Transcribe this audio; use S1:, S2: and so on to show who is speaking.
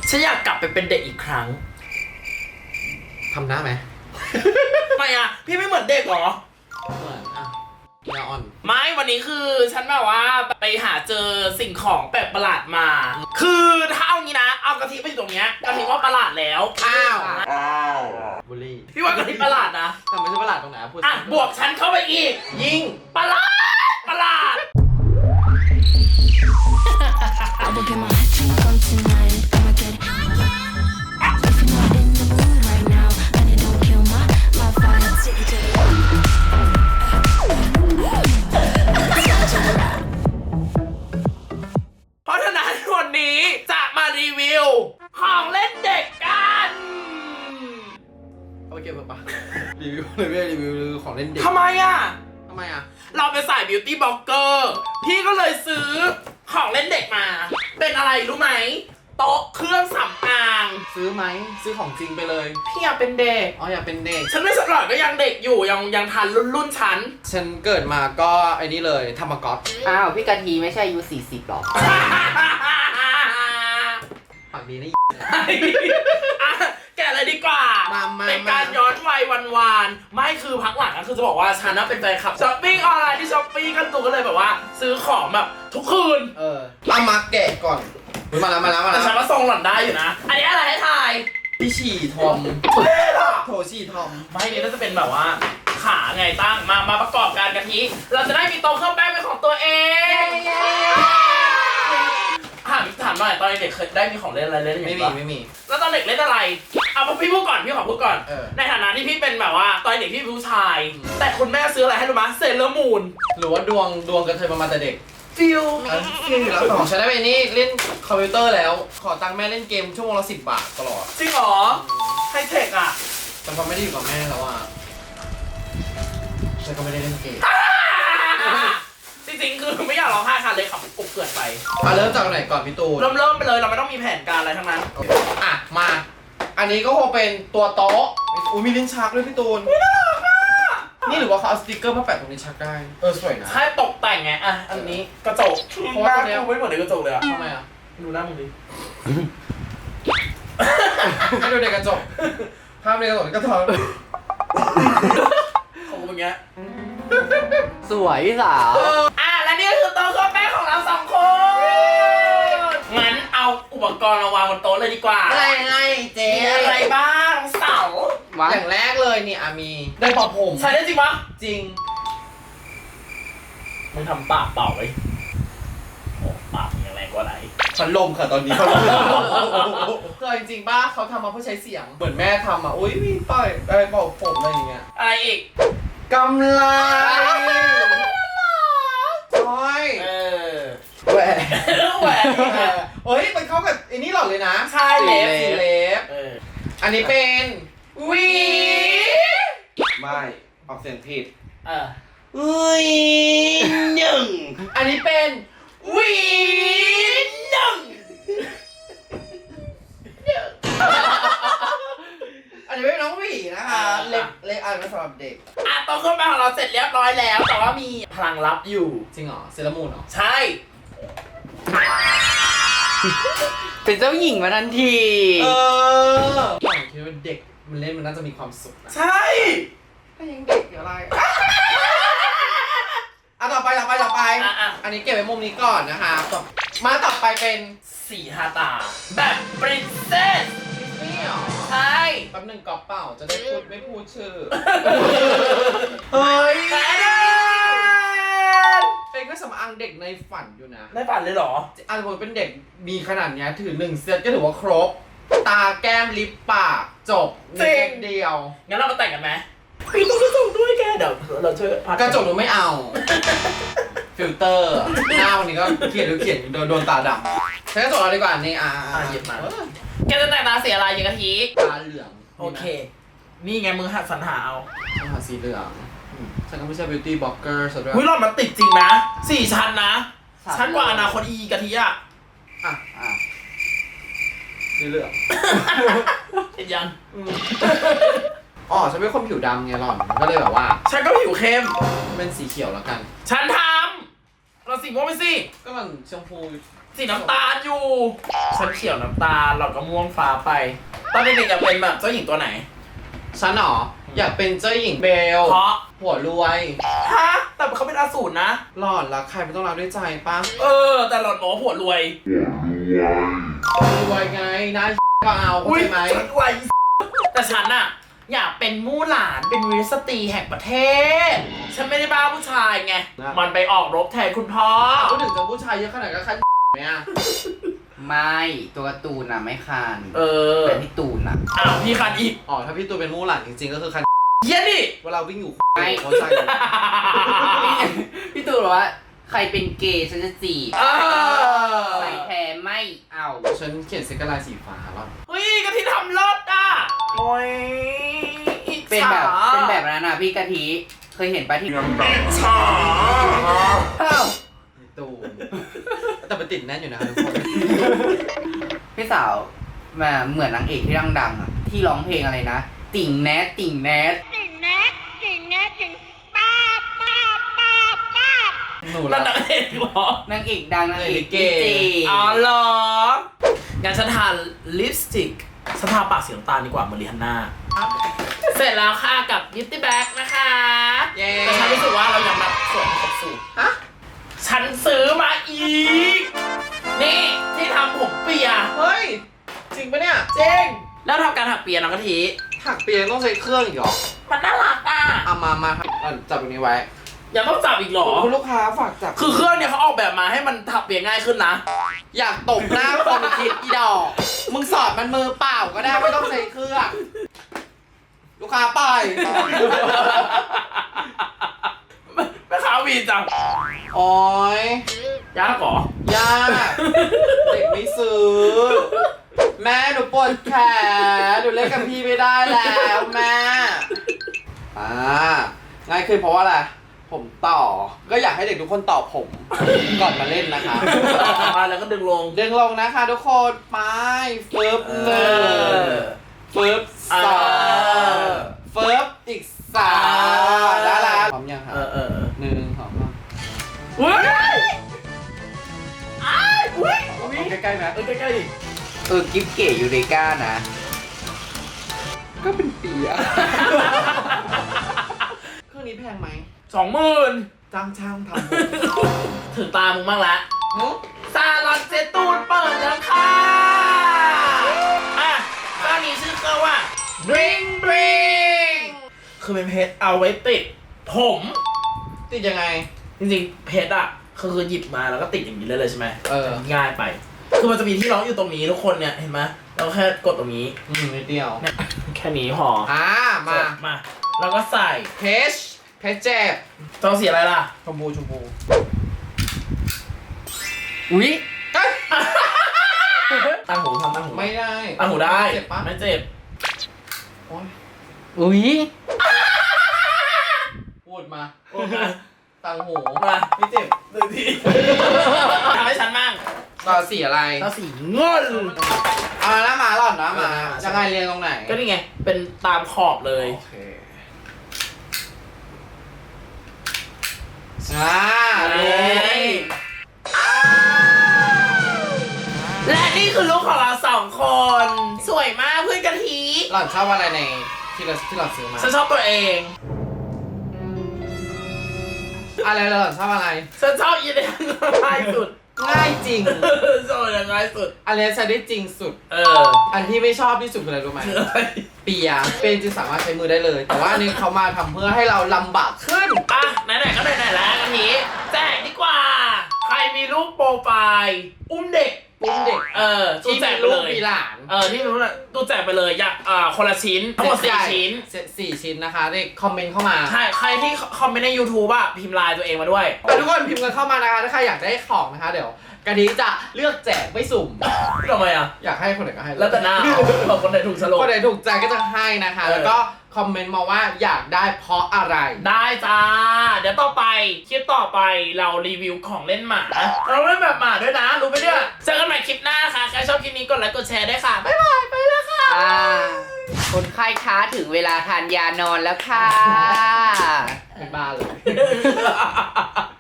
S1: ฉันอยากกลับไปเป็นเด็กอีกครั้ง
S2: ทำหน้าไหม
S1: ทำไมอ่ะพี่ไม่เหมือนเด็กหรอ
S2: เหมือนอ่ะยาอ่อน
S1: ไม่วันนี้คือฉันแบบว่าไปหาเจอสิ่งของแปลกประหลาดมาคือถ้าเอางี้นะเอากะทิไปอยู่ตรงเนี้ยกะทิว่าประหลาดแล้ว
S2: อ้าวบุลี่
S1: พี่ว่ากะทิประหลาดนะ
S2: แต่ไม่ใช่ประหลาดตรงไหนพูด
S1: อ่ะบวกฉันเข้าไปอีก
S2: ยิง
S1: ประหลาดเพราะฉะนั้นวันนี้จะมารีวิวของเล่นเด็กกัน
S2: เอาไปเก็บปะรีวิวของเล่นเด็ก
S1: ทำไมอ่ะเราเป็นสายบิวตี้บล็อกเกอร์พี่ก็เลยซื้อของเล่นเด็กมาเป็นอะไรรู้ไหมโต๊ะเครื่องสำอาง
S2: ซื้อไหมซื้อของจริงไปเลย
S1: พี่อยากเป็นเด็ก
S2: อยากเป็นเด็ก
S1: ฉันไม่สลอดก็ยังเด็กอยู่ยังทันรุ่นฉัน
S2: เกิดมาก็ไอ้นี่เลยธรรมก๊อต
S3: อ้าวพี่กะทิไม่ใช่อายุ40หรอ
S2: ปากดีนะ
S1: แกะเลยดีกว่าเป็นการย้อนวัยวานไม่คือพักหลังก็คือจะบอกว่าฉันน่ะเป็นแฟนคลับช้อปปิ้งออนไลน์ที่ช้อปปี้กันตัวก็เลยแบบว่าซื้อของแบบทุกคืน
S2: เอามาแกะก่อนมาแล้ว
S1: แต่ฉันว่าทรงหล่อนได้อยู่นะอันนี้อะไรให้ทาย
S2: พี่ฉี่ทอมโถฉี่ทอม
S1: ไม่นี่น่าจะเป็นแบบว่าขาไงตั้งมาประกอบการกะทิเราจะได้มีโต๊ะเครื่องแป้งเป็นของตัวเองถามหน่อยตอนเด็กเคยได้มีของเล่นอะไรเล่นอย่าง
S2: นี้ไม่มี
S1: แล้วตอนเด็กเล่นอะไรเอาพี่พูดก่อนพี่ขอพูดก่อนในฐานะที่พี่เป็นแบบว่าตอนเด็กพี่เป็นผู้ชายแต่คุณแม่ซื้ออะไรให้รู้มั้ยเซเลอร์มูน
S2: หรือว่าดวงกันเธอมาแต่เด็ก
S1: ฟิล
S2: แล้วของฉันได้ไปนี่เล่นคอมพิวเตอร์แล้วขอตังค์แม่เล่นเกมชั่วโมงละ10 บาทตลอด
S1: จริงเหรอไฮเทคอ่ะ
S2: แต่พอไม่ได้อยู่กับแม่แล้วอ่ะฉันก็ไม่ได้เล่นเกม
S1: จริงๆคือไม่อยากร้องไห้ค่ะเลยขับกุบเกิดไป
S2: เริ่มจากไหนก่อนพี่ตูน
S1: เริ่มไปเลยเราไม่ต้องมีแผนการอะไรทั้งนั้น
S2: มาอันนี้ก็คงเป็นตัวโต๊ะมีลิ้นชักด้วยพี่ตูนนี่หรือว่าเขาเอาสติกเกอร์มาแปะตรงลิ้นชักได้สวยนะ
S1: ใช่ตกแต่งไงอันนี้กระจกเพราะว่าตัวนี้ไม่เหมือนในกระจกเลย
S2: ทำไม
S1: ดูหน้ามึงดิ
S2: ให้ดูในกระจกภาพในกระจกก็ท้อง
S1: ของมึงเงี้ย
S3: สวยพี่สาว
S1: และนี่คือโต๊ะเครื่องแป้งของเรา2 คนงั้นเอาอุปกรณ์มาวางบนโต๊ะเลยดีกว่า
S2: อะไรเจ๊
S1: อะไรบ้างเสา
S2: อย่างแรกเลยนี่มีได้เป่าผม
S1: ใช่ได้จริงปะ
S2: จริง
S1: มึงทำปากเป่าไว้โอ้ปากยังแรงกว่าไหน
S2: พัดลมค่ะตอนนี้พัดลมคือจริงๆป้าเขาทำมาเพื่อใช้เสียงเหมือนแม่ทำอุ้ยมีเป่าผมอะไรอย่างเงี้ย
S1: อะไรอีก
S2: กำไรแหวนมันเข้ากับไอ้นี่หล่อเลยนะ
S1: ใช่
S2: เล็บอันนี้เป็น
S1: วี
S2: ไม่ออกเสียงผิด
S1: วี1
S2: อันนี้เป็น
S1: วี1
S2: อันนี้เป็นน้องหวีนะคะเล็กอันนี้สำหรับเด็ก
S1: โต๊ะเครื่องแป้งของเราเสร็จเรียบร้อยแล้วแต่ว่ามีพลังลับอยู่
S2: จริงเหรอเซรามูนเหรอ
S1: ใช่
S3: เป็นเจ้าหญิงมาทันที
S2: ผมคิดว่าเด็กมันเล่นมันน่าจะมีความสุขนะ
S1: ใช่
S2: ถ้ายังเด็กอยู่อะไรต่อไปอันนี้เก็บไว้มุมนี้ก่อนนะคะมาต่อไปเป็น
S1: สีทาตาแบบปรินเซส
S2: นี่หรอ
S1: ใช่
S2: แป๊บนึงกอบเปล่าจะได้ไม่พูดชื่อ
S1: เฮ้ย
S2: เป็นเครื่องสำอางเด็กในฝันอยู่นะ
S1: ในฝันเลยเหรอ
S2: ผมเป็นเด็กมีขนาดนี้ถือ1 เซตก็ถือว่าครบตาแก้มลิปปากจบเซตเดียว
S1: งั้นเรามาแต่งกันไหมพี่ต้องกระจกด้วยแกเดี๋ยวเราช่วย
S2: กระจกดูไม่เอาฟิลเตอร์หน้าวันนี้ก็เขียนโดนตาดำใช้กระจกเราดีกว่านี่
S1: หยิบมาแกจะแต่งตาสีอะไรอย่างกะทิ
S2: ตาเหลือง
S1: โอเคนี่ไงมึงหัดสรรหาเอา
S2: สีเหลืองฉันก็ไม่ใช่ beauty blogger สุดยอด
S1: หล่อนมันติดจริงนะ4 ชั้นนะชั้นกว่าอนาคตกะทิ
S2: สีเหลือง
S1: เห็นยัง
S2: ฉันเป็นคนผิวดำไงหล่อนก็เลยแบบว่า
S1: ฉันก็ผิวเข้ม
S2: เป็นสีเขียวแล้วกัน
S1: ฉันทำเราสีม่วงไปสิ
S2: ก็มันชมพู
S1: สีน้ำตาลอยู่ฉันเขียวน้ำตาลเราก็ม่วงฟ้าไปตอนเด็กๆอยากเป็นแบบเจ้าหญิงตัวไหน
S2: ฉันเหรออยากเป็นเจ้าหญิงเบล
S1: เพราะ
S2: หัวรวย
S1: ฮะแต่เขาเป็นอสูรนะ
S2: หลอดรักใครไม่ต้องรักด้วยใจปะ
S1: แต่หล่อนบอกว่าผัวรวย
S2: รวยไงนะก็เอาเข้าใจไหม
S1: ฉันรวยแต่ฉันอะอยากเป็นมู่หลานเป็นวีรสตรีแห่งประเทศ ฉันไม่ได้บ้าผู้ชายไง มันไปออกรบแทนคุณพ่อ
S2: พูดถึงจะผู้ชายเยอะขนาดก็คันเนี่ย
S3: ไม่ตัวการ์ตูนน่ะไม่คัน
S1: เออ
S3: แต่พี่ตูนน่ะ
S1: อ้าวพี่คันอีก
S2: อ๋อถ้าพี่ตูนเป็นมู่หลานจริงๆก็คือคัน
S1: เยี่ยนี่
S2: เวลาวิ่งอยู่
S3: ไม่
S2: เขาใจ
S3: พี่ตูนบอกว่าใครเป็นเกย์ฉันจะจีบ
S1: เออ
S3: ใส่แท้ไม่เอา
S2: ฉันเขียนสติกเกอร์ลายสีฟ้าแล้ว
S1: เฮ้ยกะทิทำรถอ่ะโอ้ยอิจฉา
S3: เป็นแบบนั้นน่ะพี่กะทิเคยเห็นปะที่
S1: อิจฉา
S3: อ้าว
S2: พี่ตูนแต่มันติดแน่นอยู่นะทุกคน
S3: พี่สาวมาเหมือนนางเอกที่ดังๆอ่ะที่ร้องเพลงอะไรนะ ติ่งแนทติ่งแนท
S2: หนู
S1: นั่
S2: ละ
S1: นนางเอกเหรอน
S3: างเอกดังนางเอก
S2: ลิเก
S3: ลิเก
S1: อ๋อเหรองั้นฉันทาลิปสติกฉันทาปากสีน้ำตาลดีกว่าเหมือนริฮันน่าเสร็จแล้วค่ะกับ Beauty Bag นะคะ
S2: เย้
S1: แต่ฉันรู้สึกว่าเรายังรับส่วนครบสูตร
S2: ฮะ
S1: ฉันซื้อมาอีก นี่ที่ทำผมเปีย
S2: เฮ้ยจริงปะเนี่ย
S1: จริงแล้วทำการถักเปียน้องกะทิ
S2: ถักเปียต้องใช้เครื่องอีกเหรอ
S1: มันน่ารักอ่ะ
S2: เอามาจับตรงนี้ไว้
S1: ยังต้องจับอีกเหรอ
S2: คุณลูกค้าฝากจับ
S1: คือเครื่องเนี่ยเขาออกแบบมาให้มันถักเปียง่ายขึ้นนะ
S2: อยากตบหน้าคนคิดอีดอก มึงสอดมันมือเปล่าก็ได้ไม่ต้องใช้เครื่อง ลูกค้าปล่อย
S1: แม่ค้าวีจัง
S2: โอ้ย
S1: ยากเหรอ
S2: ยากเด็กไม่ซื้อ แม่หนูปวดแขนหนูเล่นกับพี่ไม่ได้แล้วแม่ง่ายขึ้นเพราะว่าอะไรผมต่อ ก็อยากให้เด็กทุกคนต่อผมก่อนมาเล่นนะคะ
S1: แล้วก็ดึงลง
S2: ดึงลงนะคะทุกคนไปฟึบหนึ่งฟึบสองฟึบอีกสามได้แล้วพร้อมยังครับหนึ่งสองสาม
S1: อุ้ยอ้ายอุ้ย
S2: ใกล้ๆไหม
S1: ใกล้ๆดิ
S3: กิฟเก๋ยูเรกานะ
S2: ก็เป็นปีอะเครื่องนี้แพงไหม
S1: 20,000
S2: จ้างช่างทำ
S1: ถึงตามึงบ้างละ
S2: หึ
S1: ซาลอนเซตูนเปิดแล้วค่ะเครื่องนี้ชื่อเครื่องว่า Bling Bling คือเป็นเพชรเอาไว้ติดผม
S2: ติดยังไง
S1: จริงๆเพชรอ่ะคือหยิบมาแล้วก็ติดอย่างนี้เลยใช่ไหม
S2: เออ
S1: ง่ายไป คือมันจะมีที่ล็อกอยู่ตรงนี้ทุกคนเนี่ยเห็นไหมเราแค่กดตรงนี้
S2: นิดเดียว
S1: เนี่ยแค่นี้พอ
S2: มา
S1: มาแล้วก็ใส่
S2: เพชรเจ็บ
S1: ต้องสีอะไรล่ะ
S2: ชมพู
S3: อุ๊ย
S1: ตั้งหูทำตั้งหู
S2: ไม่ได้
S1: ตั้งหูได้
S2: เจ็บปะ
S1: ไม่เจ็บ
S2: โอ๊ย
S3: อุ๊ย
S2: พูดมา
S1: โอเค
S2: ตังหู
S1: มา
S2: ไม่เจ็บ
S1: หนึ่งทีทำให้ฉันมั่ง
S2: ต่อสีอะไร
S1: เราสีเงิน
S2: เอาหน้ามาหล่อนนะมา
S1: เออ
S2: จะไงเรียงตรงไหน
S1: ก็นี่ไง เป็นตามขอบเลย
S2: โอเค
S1: และนี่คือลูกของเรา2 คน สวยมากเพื่อนกะทิ
S2: หล่อนชอบอะไรในที่เราซื้อมา
S1: ฉันชอบตัวเอง
S2: อะไรหล่อนชอบอะไร
S1: ฉันชอบยีเดียง่ายสุด
S2: ง่ายจริง
S1: ชอบอย่างง่ายสุด
S2: อันนี้ใช้ได้จริงสุด
S1: อ
S2: อันที่ไม่ชอบที่สุดคืออะไรรู้ไหม เปียเป็นจริงสามารถใช้มือได้เลย แต่ว่าอันนี้เขามาทำเพื่อให้เราลำบากขึ้น
S1: อ่ะไหนๆก็ไหนๆแล้วกะทิแจกดีกว่า ใครมีรูปโปรไฟล์อุ้มเด็ก
S2: อุ้มเด็ก
S1: ตู้
S2: ที่
S1: แจ
S2: มี
S1: กไป
S2: ลู
S1: เล
S2: ก
S1: ย
S2: มีหลาน
S1: ที่รู้นะตู้แจกไปเลยอยากคนละชิ้นทั้งหมด4 ชิ้น
S2: 4 ชิ้นนะคะเด็กคอมเมนต์เข้ามา
S1: ใครที่คอมเมนต์ใน YouTube อ่ะพิมพ์ไลน์ตัวเองมาด้วย
S2: แต่ทุกคนพิมพ์กันเข้ามานะคะถ้าใครอยากได้ของนะคะเดี๋ยวกะทิจะเลือกแจกไม่สุ่ม
S1: ทำไมอ่ะ
S2: อยากให้คนไหนก็ให้
S1: แล้วแต่หน้าเอาคนไหนถูกสโล
S2: คนไหนถูกใจก็จะให้นะคะ แล้วก็คอมเมนต์มาว่าอยากได้เพราะอะไร
S1: ได้จ้า เดี๋ยวต่อไปคลิปต่อไปเรารีวิวของเล่นหมา เราเล่นแบบหมาด้วยนะ รู้ไหมเนี่ยเจอกันใหม่คลิปหน้าค่ะ ใครชอบคลิปนี้กดไลค์กดแชร์ได้วยค่ะ บ๊ายบาย ไปแล้วค่ะ
S3: คนไข้ค้าถึงเวลาทานยานอนแล้วค่ะ
S2: เป็นบ้าเลย